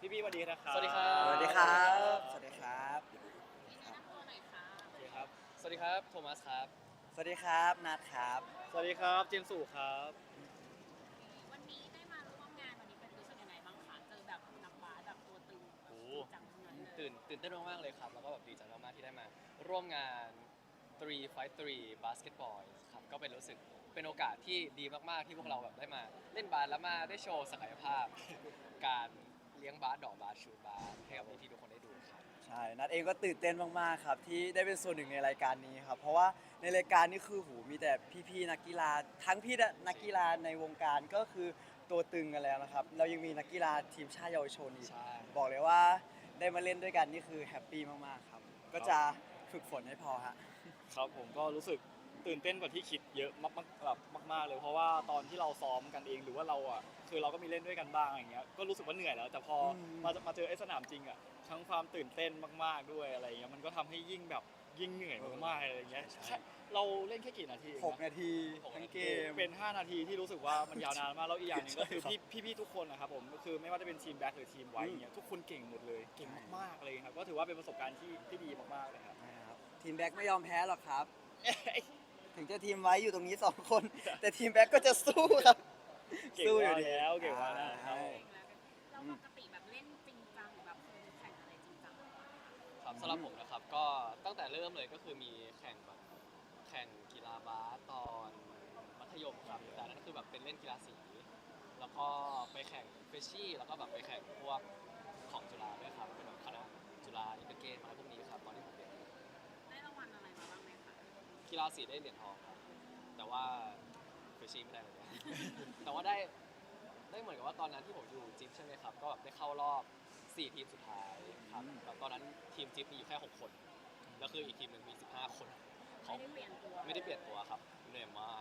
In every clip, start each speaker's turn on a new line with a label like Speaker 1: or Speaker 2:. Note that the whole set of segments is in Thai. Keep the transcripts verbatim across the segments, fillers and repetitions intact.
Speaker 1: พี่พี่สวัสดีนะครับ
Speaker 2: สวัสดีครับ
Speaker 3: สวัสดีครับสวัสดีครับ
Speaker 4: แนะนำตัวหน่อยค่ะ
Speaker 1: โอเคครับ
Speaker 2: สวัสดีครับโทมัสครับ
Speaker 3: สวัสดีครับนัทครับ
Speaker 1: สวัสดีครับเจมส์สุครับ
Speaker 4: วันนี้ได้มาร่วมงานวันนี้เป็นรู้สึกยังไงบ้างคะเจอแบบนักบาสแบบตัวตึงแบบ
Speaker 2: โอ้
Speaker 4: จริงจังทั้งนั้นเลย
Speaker 2: ตื่นตื่นเต้นมากๆเลยครับ แล้วก็แบบดีใจมากๆที่ได้มา ร่วมงาน three fight three Basketball ครับก็เป็นรู้สึกเป็นโอกาสที่ดีมากๆที่พวกเราแบบได้มาเล่นบาสแล้วมาได้โชว์ศักยภาพ การเลี้ยงบาสดอกบาสชูตบาสให้กับพี่ๆทุกคนได้ดูครับ
Speaker 3: ใช่นัทเองก็ตื่นเต้นมากๆครับที่ได้เป็นส่วนหนึ่งในรายการนี้ครับเพราะว่าในรายการนี้คือหูมีแต่พี่ๆนักกีฬาทั้งพี่นักกีฬาในวงการก็คือตัวตึงกันแล้วนะครับเรายังมีนักกีฬาทีมชาติเยาวชนอีก
Speaker 2: ใช่
Speaker 3: บอกเลยว่าได้มาเล่นด้วยกันนี่คือแฮปปี้มากๆครับก็จะฝึกฝนให้พอฮะ
Speaker 1: ครับผมก็รู้สึกตื่นเต้นกว่าที่คิดเยอะมากๆแบบมากๆเลยเพราะว่าตอนที่เราซ้อมกันเองหรือว่าเราอ่ะคือเราก็มีเล่นด้วยกันบ้างอย่างเงี้ยก็รู้สึกว่าเหนื่อยแล้ว แต่พออ
Speaker 3: ม
Speaker 1: มามาเจอไอ้สนามจริงอ่ะทั้งความตื่นเต้นมากๆด้วยอะไรเงี้ยมันก็ทำให้ยิ่งแบบยิ่งเหนื่อยมากๆอะไรเงี้ย
Speaker 2: ใช่
Speaker 1: แค่เราเล่นแค่กี่นาทีเอง
Speaker 3: หก
Speaker 1: นะ
Speaker 3: นาที
Speaker 2: หก
Speaker 3: ทั้ง
Speaker 2: นาที
Speaker 3: เกม
Speaker 1: เป็น ห้า นาทีที่รู้สึกว่ามันยาวนานมากแล้วอีกอย่างหนึงก็คือ
Speaker 3: ใช่
Speaker 1: พี่ พี่ๆทุกคนนะครับผมก็คือไม่ว่าจะเป็นทีมแบ็คหรือทีมไวท์เนี่ยทุกคนเก่งหมดเลยเก่งมากๆเลยครับก็ถือว่าเป็นประสบการณ์ที่ที่ดีมากๆเลยครับ
Speaker 3: นะครับทีมแบ็กไม่ยอมแพ้หรอกครับ ถึงจะทีมไว้อยู่ตรงนี้สองคน แต่ทีมแบ็กก็จะสู้ครับ
Speaker 1: เก่ง
Speaker 3: สู้อ
Speaker 1: มา
Speaker 3: ยู่
Speaker 1: ก
Speaker 3: ดี
Speaker 1: แล้วเก่งมากแล้ว
Speaker 3: ใช่
Speaker 4: เราปกติแบบเล่นจริงจังหรือแบบเคยแข่งอะไรจริงจังบ้างคะ
Speaker 2: ครับสำหรับผมนะครับก็ตั้งแต่เริ่มเลยก็คือมีแข่งแบบแข่งกีฬาบาสตอนมัธยมครับแต่อันนั้นคือแบบเป็นเล่นกีฬาสีแล้วก็ไปแข่งเฟชชี่แล้วก็แบบไปแข่งพวกของจุฬาด้วยครับเป็นแบบคณะจุฬาอินเตอร์เกมอะไรพวกนี้ครับตอนที่ผมเรียน
Speaker 4: ได้รางวัลอะไรมาบ้างไหมคะ
Speaker 2: กีฬาสีได้เหรียญทองครับแต่ว่าเฟชชี่ไม่ได้เลย แต่ว่าได้ได้เหมือนกับว่าตอนนั้นที่ผมอยู่จิ๊บใช่ไหมครับก็แบบได้เข้ารอบสี่ทีมสุดท้ายครับแบบตอนนั้นทีมจิ๊บมีอยู่แค่หกคนแล้วคืออีกทีมหนึ่งมีสิบห้าคนเขา
Speaker 4: ไม่ได้เปลี่ยนตัว
Speaker 2: ไม่ได้เปลี่ยนตัวครับเหนื่อยมาก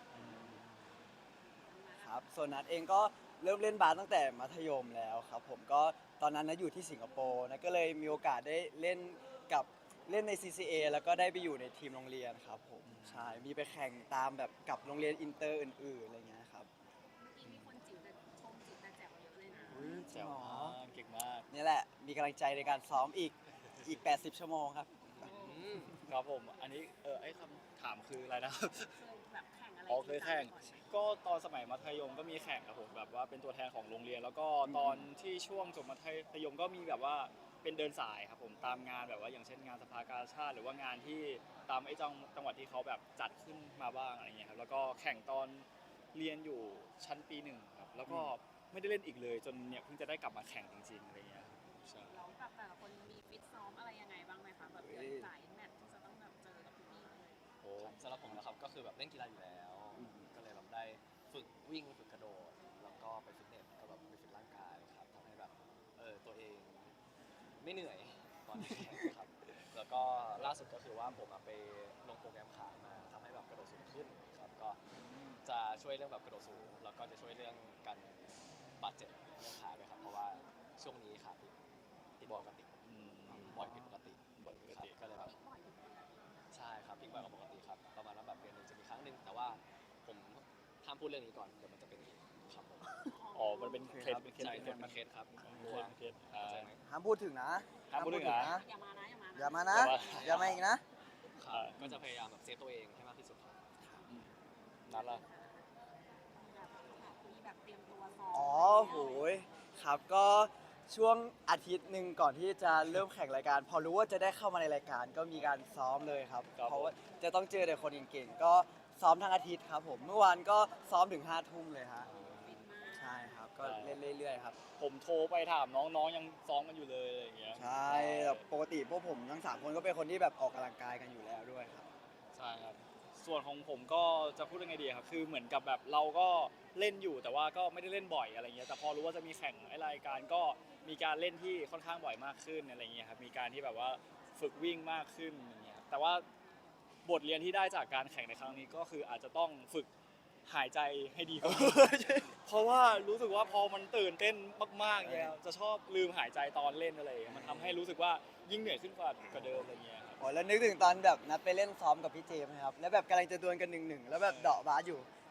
Speaker 3: ครับส่วนนัทเองก็เริ่มเล่นบาสตั้งแต่มัธยมแล้วครับผมก็ตอนนั้นนะอยู่ที่สิงคโปร์นะก็เลยมีโอกาสได้เล่นกับเล่นใน ซี ซี เอ แล้วก็ได้ไปอยู่ในทีมโรงเรียนครับผมใช่มีไปแข่งตามแบบกับโรงเรียนอินเตอร์อื่นๆอะไรเงี้ยครับ
Speaker 4: เมื่อกี้มีคนจิ๋วแต่ชมจิ๋วแต่แจ๋วเยอะเลยนะ
Speaker 3: อุ๊ยจริ
Speaker 1: แจ๋
Speaker 3: ง
Speaker 1: ว
Speaker 3: เหรอ
Speaker 1: มากเก่งมาก
Speaker 3: นี่แหละมีกำลังใจในการซ้อมอีกอีก แปดสิบ ชั่วโมงครับ
Speaker 2: อืม
Speaker 1: ครับผมอันนี้เออไอ้คำถามคืออะไรนะครับ
Speaker 4: เคยแบบแข่งอะไร
Speaker 1: อ๋อเคยแข่ง
Speaker 4: จริจัก่อนไหม
Speaker 1: ก็ตอนสมัยมัธยมก็มีแข่งครับผมแบบว่าเป็นตัวแทนของโรงเรียน แล้วก็ตอนที่ช่วงจบมัธยมก็มีแบบว่าเป็นเดินสายครับผมตามงานแบบว่าอย่างเช่นงานสภากาชาติหรือว่างานที่ตามไอ้จังจังหวัดที่เขาแบบจัดขึ้นมาบ้างอะไรเงี้ยครับแล้วก็แข่งตอนเรียนอยู่ชั้นปีหนึ่งครับแล้วก็ไม่ได้เล่นอีกเลย จนเนี่ยเพิ่งจะได้กลับมาแข่งจริงๆอะไรเงี้ยครับใช่
Speaker 4: แล้วแบบแต่ละคนมีฟิตซ้อมอะไรยังไงบ้างไหมคะแบบเดินสายแมตช์ที่จะต้องแบบเจอกับพี่ๆเลย
Speaker 1: โอ้
Speaker 2: ครับสำหรับผมนะครับก็คือแบบเล่นกีฬาอยู่แล้ว
Speaker 3: อืม
Speaker 2: ก็เลยแบบได้ฝึกวิ่งฝึกกระโดด แล้วก็ไปฟิตเนสก็แบบไปฟิตร่างกายครับทำให้แบบเออตัวเองไม่เหนื่อยตอนแข่งครับแล้วก็ล่าสุดก็คือว่าผมอะไปลงโปรแกรมขามาทำให้แบบกระโดดสูงขึ้นครับก็จะช่วยเรื่องแบบกระโดดสูงแล้วก็จะช่วยเรื่องการบาดเจ็บเรื่องขาด้วยครับเพราะว่าช่วงนี้ขาติดติดปกติ
Speaker 1: อืม
Speaker 2: บ่อยผิดปกติ
Speaker 1: บ่อยผิดปกติ
Speaker 2: ครับก็เลยแบบ
Speaker 4: พลิกบ่อยอยู่นะ
Speaker 2: ใช่ครับพลิกบ่อยกว่าปกติครับประมาณว่าแบบเดือนหนึงจะมีครั้งหนึ่งแต่ว่าผมห้ามพูดเรื่องนี้ก่อนเดี๋ยวมันจะเป็นอีกครับผม
Speaker 1: อ๋อมันเป็นเคสเป็นเคส
Speaker 2: ใช่
Speaker 1: เป็น
Speaker 2: เค
Speaker 1: เค
Speaker 2: ส
Speaker 1: ส
Speaker 2: มาเคสครับ
Speaker 1: เคสเคสอ่า
Speaker 2: เข้าใจไหม
Speaker 3: ห้ามพูดถึงนะ
Speaker 1: ห้ามพูดถึงนะ
Speaker 4: อย่ามานะอย่ามานะ
Speaker 3: อย่ามานะ อย่ามาอีกนะ
Speaker 2: ครับก็จะพยายามแบบเซฟตัวเองให้มากที่สุดครับ
Speaker 1: นัดละ
Speaker 4: แบบมีแบบเตรียมตัวซ้อม
Speaker 3: อ๋อโหยครับก็ช่วงอาทิตย์หนึ่งก่อนที่จะเริ่มแข่งรายการ พอรู้ว่าจะได้เข้ามาในรายการก็มีการซ้อมเลยครับ เพราะว่าจะต้องเจอแต่คนเก่งๆก็ซ้อมทั้งอาทิตย์ครับผมเมื่อวานก็ซ้อมถึงห้าทุ่มเลยฮะ
Speaker 4: ฟิตมาก
Speaker 3: ใช่ครับก็เล่นเรื่อยๆครับ
Speaker 1: ผมโทรไปถามน้องๆยังซ้อมกันอยู่เลยอะไรอย่างเงี้ย
Speaker 3: ใช่แบบปกติพวกผมทั้งสามคนก็เป็นคนที่แบบออกกำลังกายกันอยู่แล้วด้วยครับ
Speaker 1: ใช่ครับส่วนของผมก็จะพูดยังไงดีครับคือเหมือนกับแบบเราก็เล่นอยู่แต่ว่าก็ไม่ได้เล่นบ่อยอะไรเงี้ยแต่พอรู้ว่าจะมีแข่งไอ้รายการก็มีการเล่นที่ค่อนข้างบ่อยมากขึ้นอะไรเงี้ยครับมีการที่แบบว่าฝึกวิ่งมากขึ้นอย่างเงี้ยแต่ว่าบทเรียนที่ได้จากการแข่งในครั้งนี้ก็คืออาจจะต้องฝึกหายใจให้ดีกว่า เพราะว่ารู้สึกว่าพอมันตื่นเต้นมากๆเนี่ยจะชอบลืมหายใจตอนเล่นอะไรอย่างเงี้ยมันทำให้รู้สึกว่ายิ่งเหนื่อยขึ้นกว่ากว่าเดิมอะไรเงี้ยครับ
Speaker 3: โอ้แล้วนึกถึงตอนแบบนัดไปเล่นซ้อมกับพี่เจมส์นะครับแล้วแบบกำลังจะดวลกันหนึ่งหนึ่งแล้วแบบเดาะบาสอยู่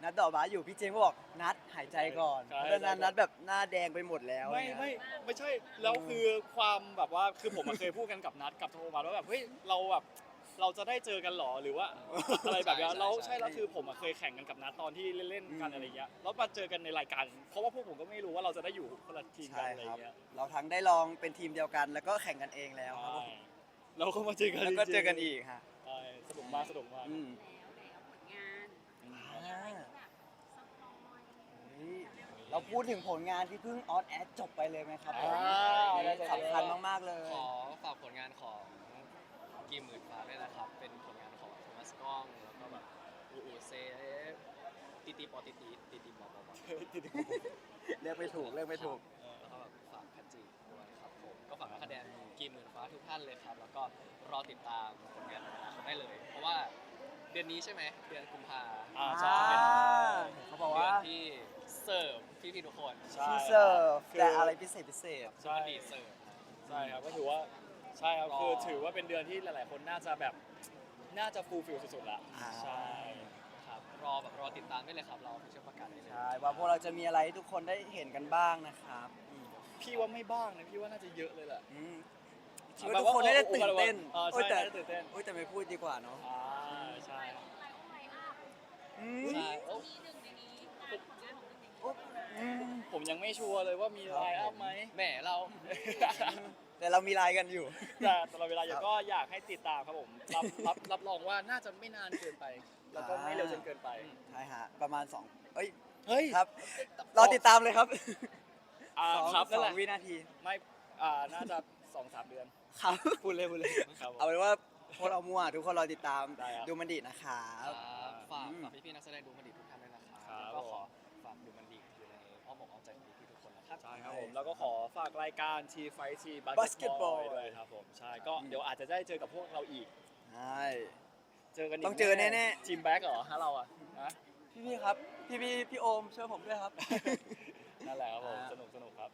Speaker 3: นัดดอกบาสอยู่พี่เจมส์ก็บอกนัดหายใจก่อน
Speaker 1: ใช่
Speaker 3: เพราะฉะนั้นนัดแบบหน้าแดงไปหมดแล้ว
Speaker 1: ไม่
Speaker 3: เนี่ย
Speaker 1: ไม่ไม่ใช่แล้วคือความแบบว่าคือผมอะเคยพูดกันกับนัดกับโทมัสว่าแบบเฮ้ยเราแบบเราจะได้เจอกันหรอหรือว่า อะไรแบบเนี้ย
Speaker 2: ใช่ใช่
Speaker 1: เรา
Speaker 2: ใช่
Speaker 1: ใช่แล้วคือผมอะเคยแข่งกันกับนัดตอนที่เล่นๆกันอะไรเงี้ยแล้วมาเจอกันในรายการเพราะว่าพวกผมก็ไม่รู้ว่าเราจะได้อยู่คนละทีมกั
Speaker 3: ใช่
Speaker 1: นอะไร
Speaker 3: ครับ
Speaker 1: เงี้ย
Speaker 3: เราทั้งได้ลองเป็นทีมเดียวกัน แล้วก็แข่งกันเองแล้วครับผม
Speaker 1: ใช่เราก็มาเจอกัน
Speaker 3: แล้วก็
Speaker 1: จริงๆ
Speaker 3: เจอกันอีกฮะ
Speaker 1: ใช่สนุกมากสนุกมาก
Speaker 3: อืม
Speaker 4: แล้วแล้วผลงาน
Speaker 1: อืม
Speaker 4: มีอะไรที่แบบสปอย
Speaker 3: เฮ้ยเราพูดถึงผลงานที่เพิ่งออนแอร์จบไปเลยไหมครับผม
Speaker 1: อ่าได้ๆๆ
Speaker 3: สำคัญมากๆเลย
Speaker 2: ขอฝากผลงานของกีมหมื่นฟ้าด้วยนะครับ เป็นผลงานของโทมัสกล้องแล้วก็แบบอูอูเซตีตีปอตีตีตีตีปอปอปอ
Speaker 3: เรียกไม่ถูกเรียกไม่ถูก
Speaker 2: แล้วก็แบบฝากแพทจีด้วยครับผมก็ฝากนักแสดงกีมหมื่นฟ้าทุกท่านเลยครับ แล้วก็รอติดตามผลงานของเขาได้เลย เพราะว่าเดือนนี้ใช่ไหมเดือนกุมภา
Speaker 1: อ่า
Speaker 2: จะ
Speaker 1: ใช่
Speaker 2: เป็น
Speaker 3: เขาบอก
Speaker 2: เดือ
Speaker 3: ว่า
Speaker 2: นที่เสิร์ฟพี่ๆทุกคน
Speaker 1: ใช่
Speaker 3: ที่เสิร์ฟ
Speaker 1: คือ
Speaker 3: แต่อะไรพิเศษพิเศษ
Speaker 1: ใช่
Speaker 2: ดีเสิร์ฟ
Speaker 1: ใช่ครับก็ถือว่าใช่ครับ
Speaker 2: รอ
Speaker 1: คือถือว่าเป็นเดือนที่หลาย ๆ คนน่าจะแบบน่าจะฟูลฟิลสุดๆละ
Speaker 3: อ่า
Speaker 1: ใช่
Speaker 2: ครับรอแบบรอติดตามได้เลยครับ เราเชื่อประกาศได้เลย
Speaker 3: ใช่ว่าพวกเราจะมีอะไรให้ทุกคนได้เห็นกันบ้างนะครับอืม
Speaker 1: พี่ว่าไม่บ้างนะพี่ว่าน่าจะเยอะเลยแหละ
Speaker 3: อืมคิดว่าทุกคนได้ตื่นเต้น
Speaker 1: เออ
Speaker 3: โอ้ย
Speaker 1: ใช่
Speaker 3: แต่
Speaker 1: น่าจะตื่นเต้น
Speaker 3: โอ้ยแต่ไม่พูดดีกว่าเนาะ
Speaker 1: อ่าใช่
Speaker 4: ไลน์ไลน์ไลน์อัพ
Speaker 3: อืม
Speaker 2: ใช่โอ้
Speaker 4: มีหนึ่งในนี้งานผลงานของหนึ่งในนี้
Speaker 3: โอ้อืม
Speaker 1: ผมยังไม่ชัวร์เลยว่ามีไลน์อัพไหม
Speaker 2: แหมเรา
Speaker 3: แต่เรามีไลน์กันอยู่
Speaker 1: แต่ตลอดเวลาอยู่
Speaker 3: ครับ
Speaker 1: ก็อยากให้ติดตามครับผมรับรับรับรองว่าน่าจะไม่นานเกินไป แล้วก็ไม่เร็วจนเกินไป
Speaker 3: ใช่ฮะประมาณสองเอ้ย
Speaker 1: เฮ้ย
Speaker 3: ครับรอติดตามเลยครับ
Speaker 1: อ่า
Speaker 3: สอง
Speaker 1: ครับ
Speaker 3: ส
Speaker 1: นั่น
Speaker 3: อ
Speaker 1: แห
Speaker 3: ง
Speaker 1: ละ
Speaker 3: วินาที
Speaker 1: ไม่อ่าน่าจะสองสามเดือน
Speaker 3: ครับพูดเลยพูดเลย
Speaker 1: ครับผม
Speaker 3: เอาเป็นว่าพวกเรามั่วทุกคนรอติดตาม
Speaker 1: ได้ครับ
Speaker 3: ดูมันดีนะครับ
Speaker 2: ครับฝาก
Speaker 3: อืม
Speaker 2: ฝากพี่ๆนักแสดงดูมันดีทุกท่านด้วยนะครับ
Speaker 1: ครับ
Speaker 2: แล้วก็ขอฝากดูมันดีอยู่ในอ้อมอกอ้อมใจของพี่ๆทุกคนนะครับ
Speaker 1: ใช่ครับผมแล้วก็ขอฝากรายการ T Fight T
Speaker 3: Basketball
Speaker 1: Basketball ด้วยครับผมใช่ก็เดี๋ยวอาจจะได้เจอกับพวกเราอีก
Speaker 3: ใช่
Speaker 1: เจอกันอีก
Speaker 3: ต้องเจอแน่ๆ
Speaker 1: ทีมแบ็กเหรอฮะเราอ่ะนะ
Speaker 3: พี่พี่ๆครับ พี่พี่พี่โอมช่วยผมด้วยครับ
Speaker 1: นั่นแหละครับผม
Speaker 3: อ่า
Speaker 1: สนุกสนุกครับ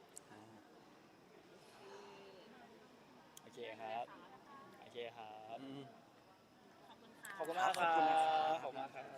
Speaker 1: โอเคครับโอเคครับ
Speaker 3: อืม
Speaker 4: ขอบคุณค่ะ
Speaker 1: ขอบคุณมากค
Speaker 3: ขอบคุณนะครั
Speaker 1: รับ บขอบคุณมากครับ